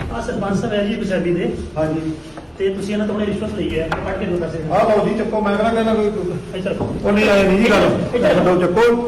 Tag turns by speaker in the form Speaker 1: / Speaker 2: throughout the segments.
Speaker 1: ਆ ਸਰਪੰਚ ਸਾਹਿਬ ਹੈ ਜੀ ਪੰਜਾਬੀ ਦੇ
Speaker 2: ਹਾਂਜੀ
Speaker 1: ਤੇ ਤੁਸੀਂ ਇਹਨਾਂ ਤੋਂ ਹੁਣੇ ਰਿਸ਼ਵਤ ਲਈ ਹੈ ਕੱਢ ਕੇ ਦੋ ਪੈਸੇ
Speaker 2: ਆਹ ਲਓ ਜੀ ਚੱਕੋ ਮੈਂ ਕਹਿੰਦਾ ਕੋਈ
Speaker 1: ਇੱਧਰ ਰੱਖੋ।
Speaker 2: ਉਹ ਨਹੀਂ ਆਏ ਨਹੀਂ ਜੀ ਗੱਲ ਦੋ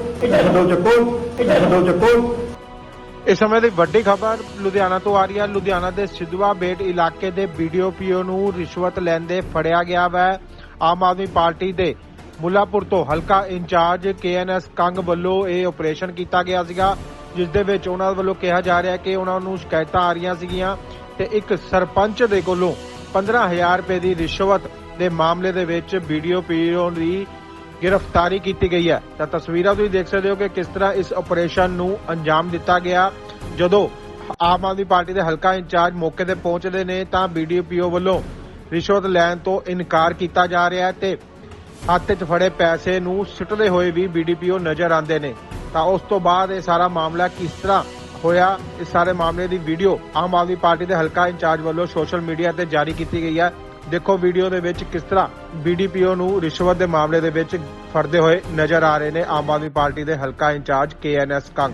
Speaker 2: ਚੱਕੋ
Speaker 3: ਇਸ ਸਮੇਂ ਦੀ ਵੱਡੀ ਖਬਰ ਲੁਧਿਆਣਾ ਤੋਂ ਆ ਰਹੀ ਹੈ। ਲੁਧਿਆਣਾ ਦੇ ਸਿੱਧਵਾ ਬੇਟ ਇਲਾਕੇ ਦੇ BDO ਨੂੰ ਰਿਸ਼ਵਤ ਲੈਂਦੇ ਫੜਿਆ ਗਿਆ ਵਾ। ਆਮ ਆਦਮੀ ਪਾਰਟੀ ਦੇ ਮੁੱਲਾਪੁਰ ਤੋਂ ਹਲਕਾ ਇੰਚਾਰਜ KNS ਕੰਗ ਵੱਲੋਂ ਇਹ ਆਪਰੇਸ਼ਨ ਕੀਤਾ ਗਿਆ ਸੀਗਾ, ਜਿਸ ਦੇ ਵਿੱਚ ਉਹਨਾਂ ਵੱਲੋਂ ਕਿਹਾ ਜਾ ਰਿਹਾ ਕਿ ਉਹਨਾਂ ਨੂੰ ਸ਼ਿਕਾਇਤਾਂ ਆ ਰਹੀਆਂ ਸੀਗੀਆਂ ਤੇ ਇੱਕ ਸਰਪੰਚ ਦੇ ਕੋਲੋਂ 15,000 ਰੁਪਏ ਦੀ ਰਿਸ਼ਵਤ ਦੇ ਮਾਮਲੇ ਦੇ ਵਿੱਚ BDO ਦੀ गिरफ्तारी की गई है। तो तस्वीरां तुसीं देख सकते हो कि किस तरह इस ऑपरेशन नूं अंजाम दिता गया। जदों आम आदमी पार्टी के हलका इंचार्ज मौके ते पहुंचते ने तां BDO वालों रिश्वत लैण तो इनकार किया जा रहा है ते हत्थ च फड़े पैसे नूं सुੱਟਦੇ होए भी BDO नजर आते ने। तां उस तो बाद ये सारा मामला किस तरह होया, इस सारे मामले की वीडियो आम आदमी पार्टी के हलका इंचार्ज वालों सोशल मीडिया ते जारी की गई है। देखो वीडियो ਦੇ ਵਿੱਚ ਕਿਸ ਤਰ੍ਹਾਂ BDO ਨੂੰ ਰਿਸ਼ਵਤ ਦੇ ਮਾਮਲੇ ਦੇ ਵਿੱਚ ਫੜਦੇ ਹੋਏ ਨਜ਼ਰ ਆ ਰਹੇ ਨੇ ਆਮ ਆਦਮੀ ਪਾਰਟੀ ਦੇ ਹਲਕਾ ਇੰਚਾਰਜ KNS ਕੰਗ।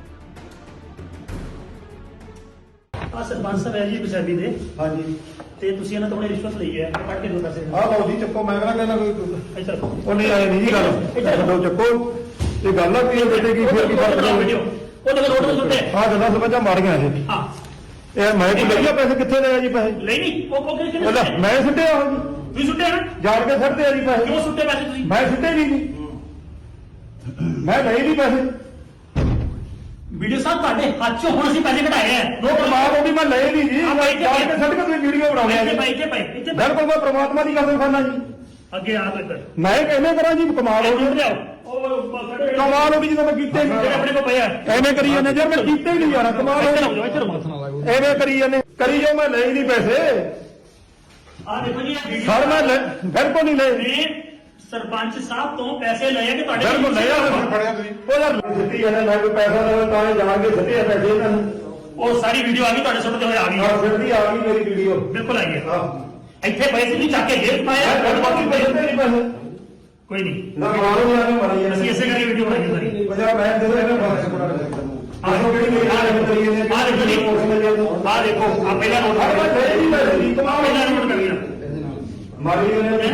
Speaker 1: ਆ ਸਰਪੰਚ ਸਾਹਿਬ ਹੈ ਜੀ ਪੰਜਾਬੀ ਦੇ
Speaker 2: ਹਾਂਜੀ
Speaker 1: ਤੇ ਤੁਸੀਂ ਇਹਨਾਂ ਤੋਂ ਹੁਣੇ ਰਿਸ਼ਵਤ ਲਈ ਹੈ ਕੱਢ ਕੇ ਦੋ ਪੈਸੇ
Speaker 2: ਆਹ ਲਓ ਜੀ ਚੱਕੋ ਮੈਂ ਕਹਿੰਦਾ ਕੋਈ
Speaker 1: ਇੱਧਰ ਰੱਖੋ।
Speaker 2: ਉਹ ਨਹੀਂ ਆਏ ਨਹੀਂ ਜੀ ਗੱਲ ਦੋ ਚੱਕੋ ਇਹ ਗੱਲ ਆ ਕੀ ਹੈ ਬੇਟੇ ਕੀ ਫਿਰ ਕੀ ਫਰਕ
Speaker 1: ਵੀਡੀਓ
Speaker 2: ਹੈ
Speaker 1: ਉਹ ਤਾਂ ਰੋਡ ਤੇ ਸੁੱਟੇ
Speaker 2: ਆਹ ਗੱਲਾਂ ਸਮਝਾ ਮਾਰੀਆਂ ਇਹ
Speaker 1: ਹਾਂ
Speaker 2: ਇਹ ਮੈਂ ਕੀ ਲਈਆ ਪੈਸੇ ਕਿੱਥੇ ਲਏ ਆ ਜੀ ਪੈਸੇ
Speaker 1: ਨਹੀਂ ਨਹੀਂ ਉਹ ਕਿਹਨੇ
Speaker 2: ਉਹਦਾ
Speaker 1: ਸੁੱਟੇ?
Speaker 2: ਮੈਂ ਸੁੱਟਿਆ ਹੋ ਜੀ
Speaker 1: ਤੁਸੀਂ ਸੁੱਟੇ ਨਾ
Speaker 2: ਜਾਣ ਕੇ ਸੁੱਟਦੇ ਆ ਜੀ ਪੈਸੇ
Speaker 1: ਕਿਉਂ ਸੁੱਟੇ ਪੈਸੇ ਤੁਸੀਂ
Speaker 2: ਮੈਂ ਸੁੱਟੇ ਨਹੀਂ ਜੀ ਮੈਂ ਲਏ ਨਹੀਂ ਪੈਸੇ
Speaker 1: ਵੀਡੀਓ ਸਾਹਿਬ ਤੁਹਾਡੇ ਹੱਥ ਚੋਂ ਹੁਣ ਅਸੀਂ ਪੈਸੇ ਕਢਾਏ ਆ
Speaker 2: ਉਹ ਪ੍ਰਮਾਤਮਾ ਦੀ ਮੈਂ ਲਏ ਨਹੀਂ ਜੀ
Speaker 1: ਹਾਂ, ਭਾਈ,
Speaker 2: ਜਾਣ ਕੇ ਸੁੱਟ ਕੇ ਤੁਸੀਂ ਵੀਡੀਓ ਬਣਾਉਂਦੇ ਆ
Speaker 1: ਇੱਥੇ
Speaker 2: ਜੀ
Speaker 1: ਭਾਈ ਇੱਥੇ ਭਾਈ ਇੱਥੇ ਭਾਈ।
Speaker 2: ਬਿਲਕੁਲ ਮੈਂ ਪ੍ਰਮਾਤਮਾ ਦੀ ਕਸਮ ਖਾਨਾ ਜੀ
Speaker 1: ਅੱਗੇ ਆ ਇੱਧਰ
Speaker 2: ਮੈਂ ਕਿਵੇਂ ਕਰਾਂ ਜੀ ਕਮਾਲ ਹੋ
Speaker 1: ਉੱਠ
Speaker 2: ਗਈ
Speaker 1: ਜਾਓ ਉਹ ਸਾਡੇ
Speaker 2: ਕਮਾਲ ਹੋ ਗਈ ਜਦੋਂ ਮੈਂ ਕੀਤੇ
Speaker 1: ਜਿਹੜੇ
Speaker 2: ਨਹੀਂ
Speaker 1: ਆਪਣੇ ਕੋਲ ਪਏ ਆ
Speaker 2: ਐਵੇਂ ਕਰੀ ਜਾਂਦੇ ਯਾਰ ਮੈਂ ਕੀਤੇ ਹੀ ਨਹੀਂ ਯਾਰ ਕਮਾਲ ਹੋ
Speaker 1: ਇੱਧਰ
Speaker 2: ਗਈ
Speaker 1: ਆਓ ਇੱਧਰ ਆਓ
Speaker 2: ਐਵੇਂ ਕਰੀ ਜਾਂਦੇ ਕਰੀ ਜਾਓ ਮੈਂ ਲਏ ਨਹੀਂ ਪੈਸੇ
Speaker 1: ਆ ਦੇਖੋ ਜੀ ਇਹ ਵੀਡੀਓ
Speaker 2: ਸਰ ਮੈਂ ਬਿਲਕੁਲ ਨਹੀਂ ਲਏ
Speaker 1: ਨੇ ਸਰਪੰਚ ਸਾਹਿਬ ਤੋਂ ਪੈਸੇ ਲਏ ਆ ਕਿ ਤੁਹਾਡੇ
Speaker 2: ਬਿਲਕੁਲ ਲਿਆ ਫੜਿਆ ਤੁਸੀਂ ਉਹ ਯਾਰ ਸਿੱਟੀ ਜਾਂਦੇ ਮੈਂ ਕੋਈ ਪੈਸਾ ਦੇਵਾਂ ਤਾਂ ਇਹ ਜਾਣ ਕੇ ਸਿੱਟੇ ਆ ਪੈਸੇ ਇਹਨਾਂ ਨੂੰ
Speaker 1: ਉਹ ਸਾਰੀ ਵੀਡੀਓ ਆ ਗਈ ਤੁਹਾਡੇ ਸੁਣਦੇ ਹੋਏ ਆ ਗਈ
Speaker 2: ਹਾਂ ਸਿੱਟੀ ਆ ਗਈ ਮੇਰੀ ਵੀਡੀਓ
Speaker 1: ਬਿਲਕੁਲ ਆਈ ਹੈ
Speaker 2: ਹਾਂ
Speaker 1: ਇੱਥੇ ਪੈਸੇ ਨਹੀਂ ਚੱਕ ਕੇ ਜੇਬ ਪਾਏ ਆ,
Speaker 2: ਮੈਂ ਬਾਕੀ ਪੈਸੇ ਤੇ ਨਹੀਂ ਪੈਸੇ
Speaker 1: ਕੋਈ ਨਹੀਂ
Speaker 2: ਨਾ ਮਾਰੋ ਯਾਰ ਮੈਂ ਮਰ
Speaker 1: ਅਸੀਂ ਇਸੇ ਕਰਕੇ ਵੀਡੀਓ ਬਣਾਈ ਸਾਰੀ
Speaker 2: ਪੰਜਾਬ ਮੈਂ ਦੇ ਇਹਨਾਂ ਬਾਰੇ ਕੋਲ ਆਹੋ ਕਿਹੜੀ ਮੇਰੀ ਹਾਲਤ ਕਰੀ ਜਾਂਦੇ
Speaker 1: ਆ ਦੇਖੋ ਜੀ ਆ ਦੇਖੋ ਆ ਪਹਿਲਾ ਨੋਟ
Speaker 2: ਮੈਂ ਲਏ ਨਹੀਂ ਪੈਸੇ ਦੀ ਕਮਾਲ
Speaker 1: ਪਹਿਲਾ ਨੋਟ ਕਰ ਲਿਆ
Speaker 2: ਮਾਰੀ ਇਹਨੇ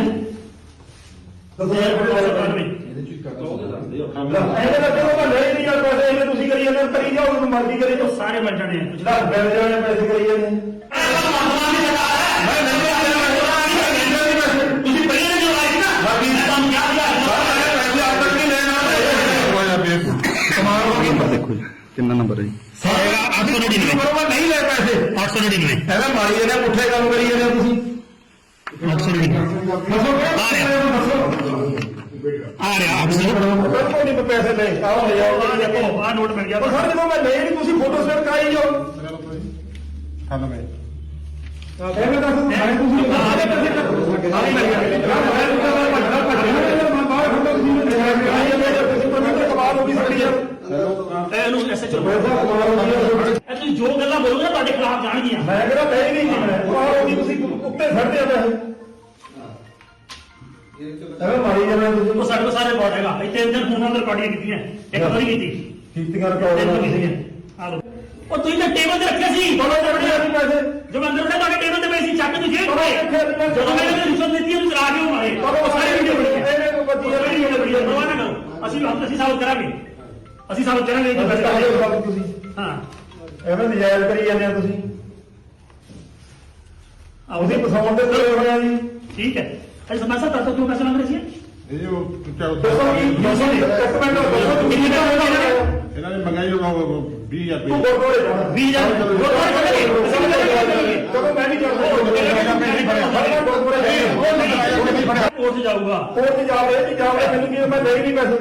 Speaker 2: ਇਹਦੇ ਦਾ ਚਲੋ ਮੈਂ ਲਏ ਨਹੀਂ ਯਾਰ ਪੈਸੇ ਇਹਨੇ ਤੁਸੀਂ ਕਰੀ ਜਾਂਦੇ ਕਰੀ ਜਾਓ ਉਹਨੂੰ ਮਰਜ਼ੀ ਕਰੀ ਜਾਓ
Speaker 1: ਸਾਰੇ ਬਣ ਜਾਣੇ ਆ
Speaker 2: ਜਿਹੜਾ ਬਿਲ ਜਾਣੇ ਪੈਸੇ ਕਰੀ ਜਾਂਦੇ
Speaker 1: ਤੁਸੀਂ ਪਹਿਲਾਂ ਜੋ ਆਏ ਸੀ ਨਾ ਤੁਹਾਨੂੰ ਯਾਦ
Speaker 2: ਕਮਾਲ ਹੋ ਗਈ
Speaker 4: ਦੇਖੋ ਜੀ ਕਿੰਨਾ ਨੰਬਰ ਹੈ ਜੀ
Speaker 1: 899
Speaker 2: ਬਰੋਬਰ ਨਹੀਂ ਲੈ ਪੈਸੇ
Speaker 1: 899
Speaker 2: ਇਹਦਾ ਮਾਰੀ ਜਾਂਦੇ ਪੁੱਠੇ ਕੰਮ ਕਰੀ ਜਾਂਦੇ ਤੁਸੀਂ
Speaker 1: 899
Speaker 2: ਦੱਸੋ
Speaker 1: ਆ ਰਿਹਾ
Speaker 2: ਬਿਲਕੁਲ ਨਹੀਂ ਪੈਸੇ ਲੈ ਆਓ
Speaker 1: ਆ ਦੇਖੋ ਆ ਨੋਟ ਮਿਲ ਗਿਆ
Speaker 2: ਸਰ ਜਦੋਂ ਮੈਂ ਲਏ ਨਹੀਂ ਤੁਸੀਂ ਫੋਟੋ ਸਟੇਟ ਕਰਾਈ ਜਾਓ ਐਵੇਂ ਦੱਸ ਮੈਂ ਤੁਸੀਂ ਆਲੇ ਪੈਸੇ ਆਲੇ ਮਿਲ ਗਿਆ ਮੈਂ ਬਾਹਰ ਖੜਾ ਤੁਸੀਂ ਨੇ ਤੁਸੀਂ ਪਰਮਿਟ ਕਮਾਲ ਹੋ ਗਈ ਸਾਡੀ ਯਾਰ
Speaker 1: ਇਹਨੂੰ SHO
Speaker 2: ਪੈਸਾ ਕਮਾਲ ਹੋ ਗਈ
Speaker 1: ਇਹ ਤੁਸੀਂ ਜੋ ਗੱਲਾਂ ਬੋਲੋਗੇ ਨਾ ਤੁਹਾਡੇ ਖਿਲਾਫ ਜਾਣਗੀਆਂ
Speaker 2: ਮੈਂ ਕਿਹੜਾ ਲਏ ਨਹੀਂ ਜੀ ਮੈਂ ਕਮਾਲ ਹੋ ਗਈ ਤੁਸੀਂ ਉੱਤੇ ਛੱਡਦੇ ਆ ਪੈਸੇ ਐਵੇਂ ਮਾਰੀ ਜਾਂਦੇ ਤੁਸੀਂ
Speaker 1: ਉਹ ਸਾਡੇ ਕੋਲ ਸਾਰੇ ਰਿਕਾਰਡ ਹੈਗਾ ਇੱਥੇ ਇੰਦਰ ਫੋਨਾਂ ਤੇ ਰਿਕਾਰਡਿੰਗ ਕੀਤੀਆਂ ਇੱਕ ਵਾਰੀ ਕੀਤੀ
Speaker 2: ਕੀਤੀਆਂ
Speaker 1: ਤਿੰਨ
Speaker 2: ਰਿਕਾਰਡ
Speaker 1: ਕੀਤੀਆਂ ਆ ਲੋ ਉਹ ਤੁਸੀਂ ਤਾਂ ਟੇਬਲ ਤੇ ਰੱਖਿਆ ਸੀ
Speaker 2: ਬੋਲੋ ਜੜੀਆਂ ਨਹੀਂ ਪੈਸੇ
Speaker 1: ਜੋ ਅੰਦਰ ਬੜਾ ਤੁਹਾਡੇ ਟੇਬਲ ਤੇ ਪਏ ਸੀ ਚੱਕ ਤੁਸੀਂ ਜਦੋਂ ਮੈਂ ਇਹਨੂੰ ਰਿਸ਼ਵਤ ਦਿੱਤੀ ਉਹਨੂੰ ਚਲਾ ਕੇ ਉਹ ਮਾਰੇ ਉਹ ਸਾਰੇ ਵੀਡੀਓ ਬਣੀ ਹੈ
Speaker 2: ਇਹਨੇ ਕੋਈ ਬੱਤੀ
Speaker 1: ਸਾਰੀ ਵੀਡੀਓ ਬਣੀ ਹੈ ਪਰਵਾਹ ਨਾ ਕਰੋ ਅਸੀਂ ਸਾਬਤ ਕਰਾਂਗੇ ਅਸੀਂ ਸਾਬਤ ਕਰਾਂਗੇ ਕਿ ਬਸ
Speaker 2: ਤੁਸੀਂ
Speaker 1: ਹਾਂ
Speaker 2: ਐਵੇਂ ਨਜਾਇਜ਼ ਕਰੀ ਜਾਂਦੇ ਆ ਤੁਸੀਂ ਉਹਦੀ ਪਸਾਉਣ ਦੇ ਤੇ ਹੋਇਆ ਜੀ
Speaker 1: ਠੀਕ ਹੈ ਅਰੇ ਸਮਝ ਸਕਦਾ ਤੂੰ ਪੈਸੇ ਮੰਗ ਰਹੀ ਹੈ
Speaker 2: ਦੱਸੋ ਕੀ ਦੱਸੋ ਇੱਕ ਮਿੰਟ ਦੱਸੋ ਕਿੰਨੇ ਦਾ ਹੋਏਗਾ
Speaker 4: ਇਹਨਾਂ ਨੇ ਮੰਗਾਈ ਹੋਗਾ 20000
Speaker 2: ਤੂੰ
Speaker 4: ਰੁਪਏ
Speaker 2: ਗੁਰਦੁਆਰੇ ਜਾਣਾ
Speaker 1: 20000 ਗੁਰਦੁਆਰੇ ਚੱਲਾਂਗੇ
Speaker 2: ਚਲੋ ਮੈਂ ਵੀ ਜਾਣਾ ਗੁਰਦੁਆਰੇ
Speaker 1: ਕੋਰਟ ਜਾਊਗਾ
Speaker 2: ਕੋਰਟ ਜਾ ਰਹੇ ਮੈਨੂੰ ਕੀ ਮੈਂ ਲੈ ਨਹੀਂ ਪੈਸੇ